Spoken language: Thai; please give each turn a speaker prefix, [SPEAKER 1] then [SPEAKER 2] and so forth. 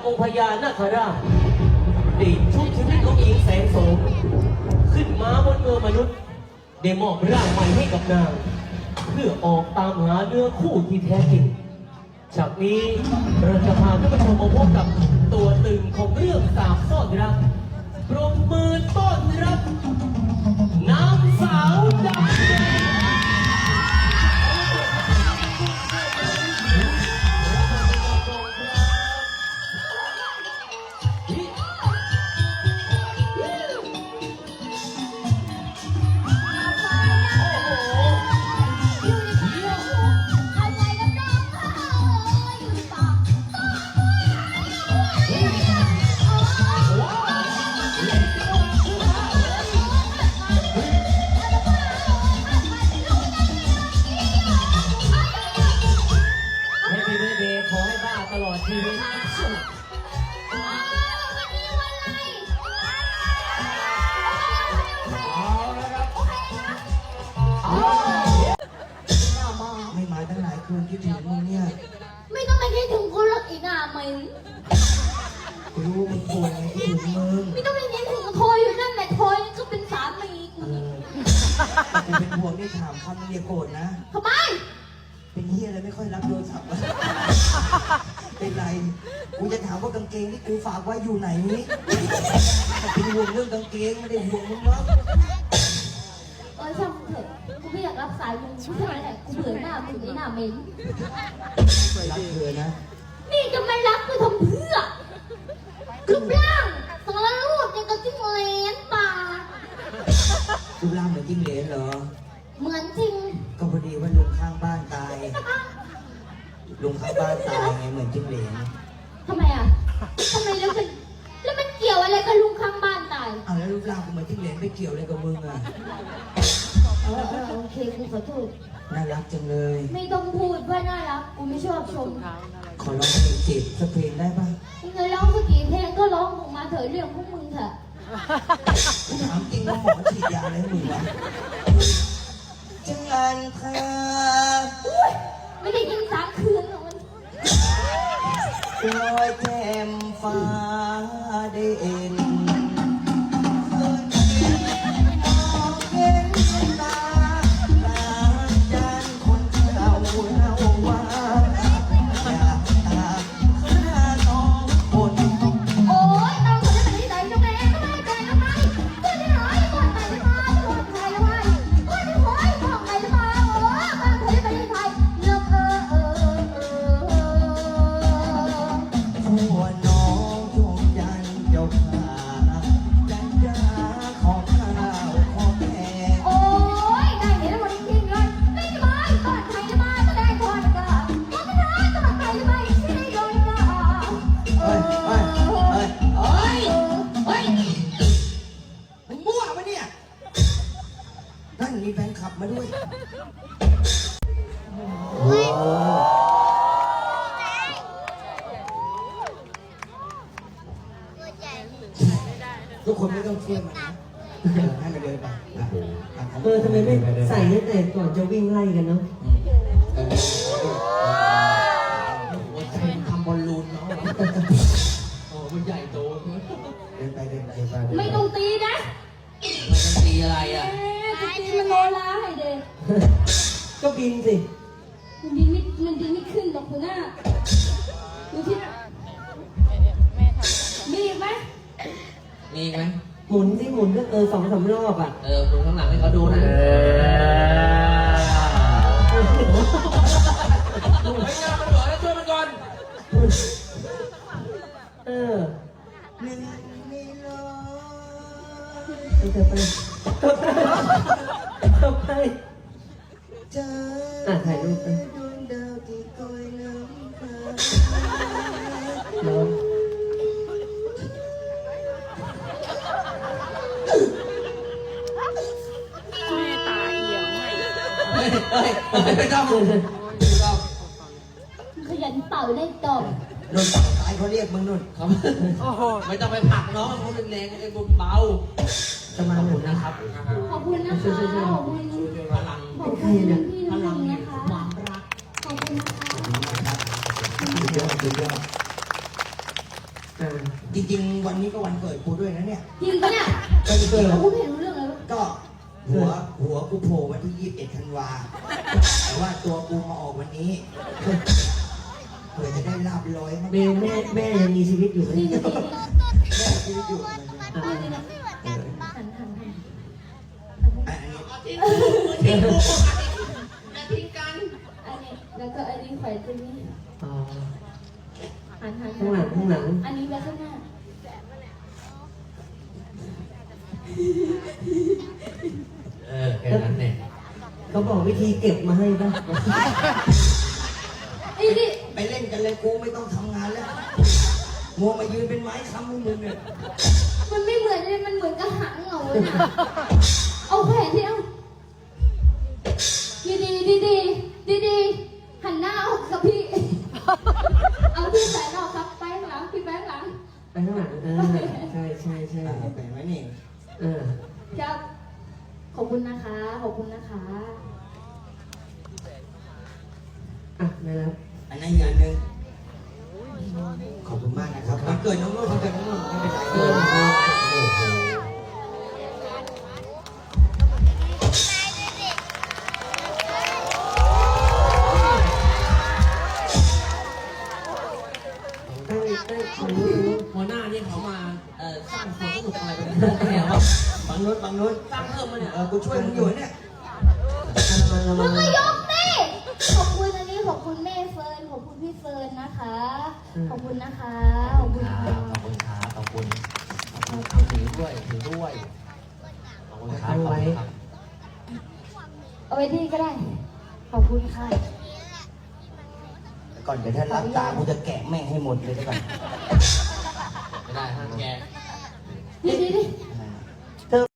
[SPEAKER 1] องค์พญานาคราชได้ชุบชีวิตของหญิงแสงโสมขึ้นมาบนเมืองมนุษย์ได้มอบร่างใหม่ให้กับนางเพื่อออกตามหาเนื้อคู่ที่แท้จริงจากนี้เราจะพาท่านผู้ชมมาพบกับตัวตึงของเรื่องสาบซ่อนรักปรบมือต้อนรับนางสาวดาวแดง
[SPEAKER 2] ไม่มาตั้งหลายคืนคิดถึงมึงเนี่ย
[SPEAKER 3] ไม่ต้องไปคิดถึงคนรักอีกอ่ะไหม
[SPEAKER 2] กูรู้มึงป่วยไงคิดถึงมึง
[SPEAKER 3] ไม่ต้องไปคิดถึงทอยอยู่นั่นแหละทอยก็เป็นสามีกู
[SPEAKER 2] กูเป็นห่วงนี่ถามคำมึงอย่าโกรธนะ
[SPEAKER 3] ทำไม
[SPEAKER 2] เป็นเฮียอะไรไม่ค่อยรับโทรศัพท์เป็นไรกูจะถามว่ากางเกงที่กูฝากไว้อยู่ไหนนี่เป็นห่วงเรื่องกางเกงไม่ได้ห่วงมึงหรอก
[SPEAKER 3] ช่างเถอะกูไม่อยากรับสายมึงช่วยแหละกูเบื่อหน้ามึงหน้าเหม็น
[SPEAKER 2] รักเธอนะ
[SPEAKER 3] นี่จะไม่รักกูทำเพื่อรูปร่างสารรูปยังกับจิ้งเหลนป่า
[SPEAKER 2] รูปร่างเหมือนจิ้งเหลนเหรอ
[SPEAKER 3] เหมือนจริง
[SPEAKER 2] ก็พอดีว่าลุงข้างบ้านตายลุงข้างบ้านตายไงเหมือนจิ้งเหลน
[SPEAKER 3] ทำไมอ่ะทำไมแล้วมันเกี่ยวอะไรกับลุงข้างบ้านตาย
[SPEAKER 2] แล้วรูปร่างกูเหมือนจิ้งเหลนไม่เกี่ยวอะไรกับมึงอ่ะ
[SPEAKER 3] โอเคกูขอโทษ
[SPEAKER 2] น่ารักจังเลย
[SPEAKER 3] ไม่ต้องพูดว่าน่ารักกูไม่ชอบชม
[SPEAKER 2] ขอร้องเพลงจีบสักเพลงได้ปะ
[SPEAKER 3] มึงเคยร้องสักกี่เพลงก็ร้องออกมาเถอะเรื่องพวกมึงเถอะ
[SPEAKER 2] กูถามจริงว่าหมอฉีดยาอะไรให้มึงวะจังอันเธอ
[SPEAKER 3] ไม่ได้ยิน3 คืนหรอก
[SPEAKER 2] ลอยแจ่มฟ้าได้เอ็นมีแฟนคลับมาด้วยทุกคนไม่ต้องเชื่อมันนะให้มันเดินไป
[SPEAKER 1] ทำไมไม่ใส่ตั้งแต่ก่อนจะวิ่งไล่กันเนาะ
[SPEAKER 2] หัวใจทำบอลลูนเนาะ
[SPEAKER 1] โอ้มันใหญ่โต
[SPEAKER 2] เดินไป
[SPEAKER 3] ไม่ต้องตีนะ
[SPEAKER 2] ไม่ต้องตีอะไรอ่ะ
[SPEAKER 3] ตีมันโนลาให้เด็ก
[SPEAKER 1] ก็บินสิ
[SPEAKER 3] มันบินไม่ขึ้นหรอกคุณน่าดูที่มีไหม
[SPEAKER 2] มีไหม
[SPEAKER 1] หมุนสิหมุนก็2-3 รอบอ่ะ
[SPEAKER 2] หมุนข้างหลังให้เขาดูนะไม่งานมันบอกแล้วช่วยมันก่อน
[SPEAKER 1] ไปถ่ายรูปไป
[SPEAKER 2] ไม่ต้อง
[SPEAKER 3] ขยันเป่าได้ตอบ
[SPEAKER 2] นุ่นตายเขาเรียกมึงนุ่นครับไม่ต้องไปผลักน้องมึงแรงๆไอ้บุญเบา
[SPEAKER 1] จะมาหนุนนะครับ
[SPEAKER 3] ขอบคุณนะคะขอบคุณ
[SPEAKER 2] พลัง
[SPEAKER 3] ขอบคุณพี่พลังนะคะความรักขอบคุณนะคะ
[SPEAKER 2] สุดยอดจริงๆวันนี้ก็วันเกิดกูด้วยนะเนี่ย
[SPEAKER 3] จริงปะเนี่ย
[SPEAKER 2] ก็จริง
[SPEAKER 3] กูไม่เห็นรู้เรื่องเลยวะ
[SPEAKER 2] ๆก็หัวกูโผล่วันที่21 ธันวาแต่ว่าตัวกูมาออกวันนี้เพื่อจะได้ลาบร้อยมั้ง
[SPEAKER 4] เบลแม่ยังมีชีวิตอยู่ไหม
[SPEAKER 3] นี่นี่
[SPEAKER 2] แม่ชีวิตอยู่
[SPEAKER 3] นี่นะหัน
[SPEAKER 2] อันนี้
[SPEAKER 3] อันนี้แล้วก็อันนี้แขวนตรงนี้
[SPEAKER 4] อ๋อ
[SPEAKER 3] หัน
[SPEAKER 4] ข้างหลัง
[SPEAKER 3] อันนี้ไว้ข้างหน้า
[SPEAKER 1] แค่นั้นเนี่ย
[SPEAKER 4] เขาบอกวิธีเก็บมาให้ป่ะ
[SPEAKER 3] ไอ้นี่
[SPEAKER 2] ไปเล่นกันเลยกูไม่ต้องทำงานแล้วมัวมายืนเป็นไม้ค้ำให้มึงเนี่ย
[SPEAKER 3] มันไม่เหมือนเลยมันเหมือนกระหังเหงาเลยนะเอาแขวนที่เอาดีหันหน้าออกกับพี่ เอาที่ใส่ออกครับไปข้างหลังพี่ไปข้างหลัง
[SPEAKER 4] ไปข้างหลังใช่
[SPEAKER 2] ไปไหมนี่
[SPEAKER 3] ครับ ขอบคุณนะคะ ขอบคุณนะคะ
[SPEAKER 4] อ่ะนะครับ
[SPEAKER 2] อันนั้นอีกอันหนึ่งขอบคุณมากนะครับวันเกิดน้องนุ่นวันเกิดน้องนุ่นไม่เป็นไรโอ้โห
[SPEAKER 1] หัวหน้านี่เขามาสร้างความสนุกอะไรกันเนี่ยวะ
[SPEAKER 2] บางนุช
[SPEAKER 1] สร้างเพิ่มมาเนี่ย
[SPEAKER 2] กูช่วยมึงอยู่เนี่ย
[SPEAKER 3] มึงก็ยกดิขอบคุณอันนี้ขอบคุณแม่เฟิร์น ขอบคุณพี่เฟิร์นนะคะ ขอบคุณนะคะ ขอบคุณค่ะ
[SPEAKER 1] ขอบคุณครับขอบคุณถือด้วยขอบคุณครับ
[SPEAKER 3] เอาไว้ที่ก็ได้ ขอบคุณค่ะ
[SPEAKER 2] ก่อนเดี๋ยวถ้ารับตากูจะแกะแม่งให้หมดเลยได้ก่อน
[SPEAKER 1] ไม่ได้ห้ามแก
[SPEAKER 3] ดี